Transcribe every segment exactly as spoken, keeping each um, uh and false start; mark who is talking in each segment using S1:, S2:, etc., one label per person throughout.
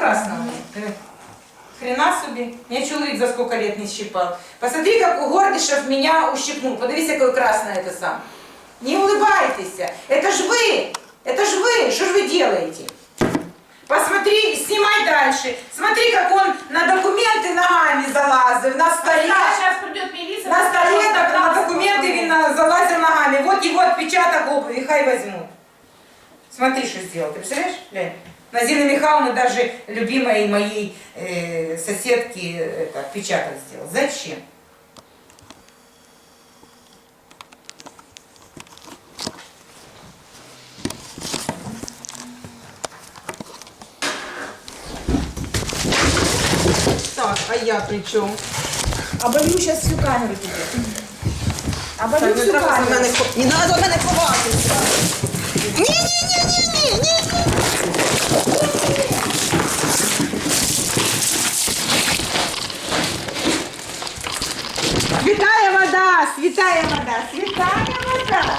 S1: красного нет. Хрена собі. Меня человек за сколько лет не щипал. Посмотри, как у Гордышев меня ущипнул. Подивись, какое красное это сам. Не улыбайтесь. Это ж вы. Это ж вы. Что ж вы делаете? Посмотри, снимай дальше. Смотри, как он на документы ногами залазил. На столе.
S2: А сейчас придет милиция.
S1: На столе так, на документы именно залазил ногами. Вот его отпечаток обуви. Хай возьмут. Смотри, что сделал. Ты представляешь? Глянь. На Зины Михайловны даже любимой моей э, соседки это, отпечаток сделал. Зачем? Так, а я при чем?
S2: Оболью сейчас всю камеру тебе. Оболью всю камеру.
S1: Не надо мене ховатися. Ні-ні-ні-ні-ні-ні. Святая вода, святая вода, святая вода.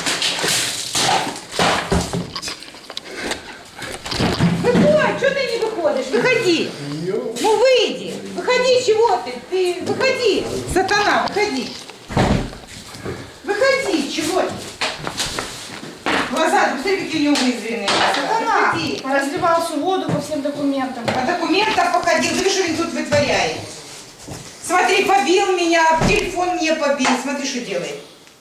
S1: Выходь, что ты не выходишь? Выходи. Ну выйди. Выходи, чего ты? Ты выходи. Сатана, выходи. Выходи, чего ты? Глаза, посмотри, какие у него вызванные. Сатана, выходи.
S2: Разливал всю воду по всем документам.
S1: По документам походил. Смотри, что он тут вытворяет. Смотри, побил меня, телефон мне побил. Смотри, что делает.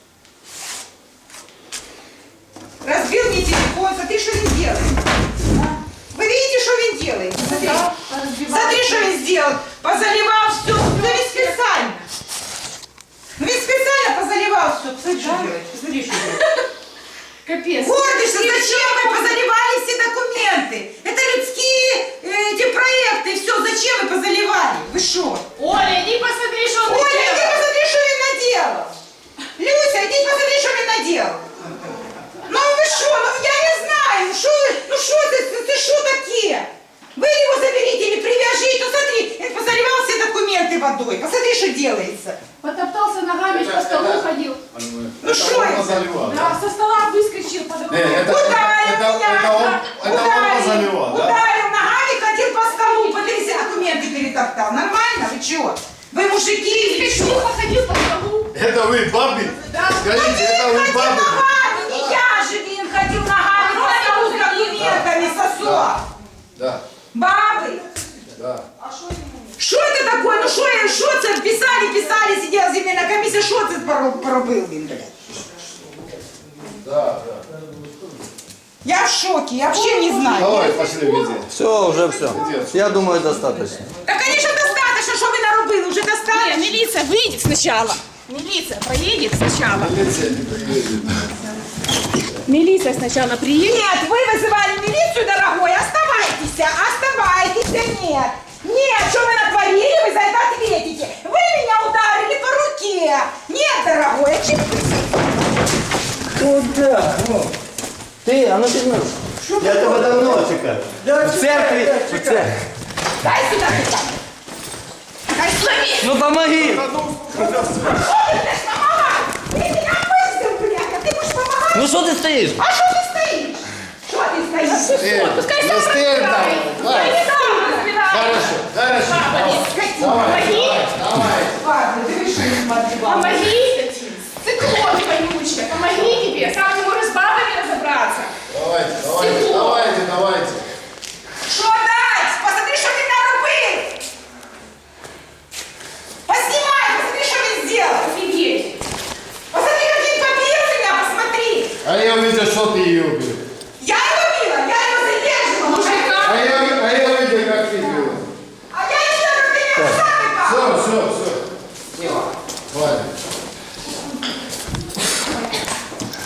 S1: Разбил мне телефон. Смотри, что он делает. Вы видите, что он делает? Смотри,
S2: Да,
S1: смотри, что он сделал. Позаливал все. Ну ведь специально. Ну ведь специально позаливал все. Посмотри, что делает. Посмотри, что делает.
S2: Капец.
S1: Гордышься, зачем вы позаливали все документы? Это людские э, эти проекты, все, зачем вы позаливали? Вы что?
S2: Оля, иди посмотри, что он
S1: Оля, иди
S2: наделал.
S1: посмотри, что он наделал. Люся, иди посмотри, что он наделал. Ну вы что, ну я не знаю, ну что вы, ну что ты, ты что такие? Вы его заберите или привяжите, ну смотри, он позаливал все документы водой, посмотри, что делается.
S2: Потоптался ногами, по столу ходил.
S1: Ну что это?
S2: Да, со стола выскочил по документам.
S1: Ударил
S3: это,
S1: меня,
S3: это он,
S1: да,
S3: это он позаливал, да?
S1: ударил ногами, ходил по столу, подивись, все документы перетоптал. Нормально? Вы чего? Вы мужики или
S2: Тихо
S1: что?
S2: ходил по столу.
S3: Это вы, бабы?
S2: Да.
S3: Скажите, это вы,
S1: Ходил
S3: бабы?
S1: ногами, не я же, Вин, ходил ногами по столу с документами, сосо.
S3: Да,
S1: Бабы.
S3: да.
S1: Что это такое? Ну что я, что это? Писали, писали, сидела земельная комиссия, что это поробил, Вин, блядь?
S3: Да, да.
S1: Я в шоке, я вообще не знаю.
S3: Давай, пошли везде.
S4: Все, уже все. Я думаю, достаточно.
S1: Да, конечно, достаточно, что вы наробили, уже
S2: Не,
S1: достаточно.
S2: милиция выйдет сначала. Милиция проедет сначала.
S3: Милиция не приедет.
S2: Милиция сначала приедет.
S1: Нет, вы вызывали милицию, дорогой, оставайтесь, оставайтесь, нет. Нет, что вы натворили, вы за это ответите. Вы меня ударили по руке. Нет, дорогой, отчепитесь.
S4: Куда? Ты, а ну пизно. Я тебе давно чекаю. В церкви. В церкви.
S1: Дай сюда, сюда. Дай слови.
S4: Ну помоги.
S1: Что ты будешь помогать? Ты меня пустил, блядь, а ты будешь помогать?
S4: Ну что ты стоишь?
S1: А что ты стоишь? Что ты стоишь?
S3: Э,
S2: Пускай
S3: не
S2: сам
S3: стыдно.
S2: разбирается.
S3: Давай.
S2: Я не сам разбираюсь.
S3: Хорошо, хорошо. Давай, давай, давай.
S1: Ладно, ты реши, смотри, ладно.
S2: Помоги, циклон вонючая, помоги тебе. Сам не можешь с бабами разобраться.
S3: Давайте, давайте,
S2: Стекло.
S3: давайте, давайте.
S1: Что дать? Посмотри, что ты наробил. Поснимай, посмотри, что ты сделал.
S2: Офигеть.
S1: Посмотри, как он побил меня, посмотри.
S3: А я увидел, что ты ее убил.
S1: Я его била, я его задерживала.
S2: Мужика.
S3: А я, а я увидел, как ты бил.
S1: А я не знаю, как ты меня сам
S3: Все, все, все.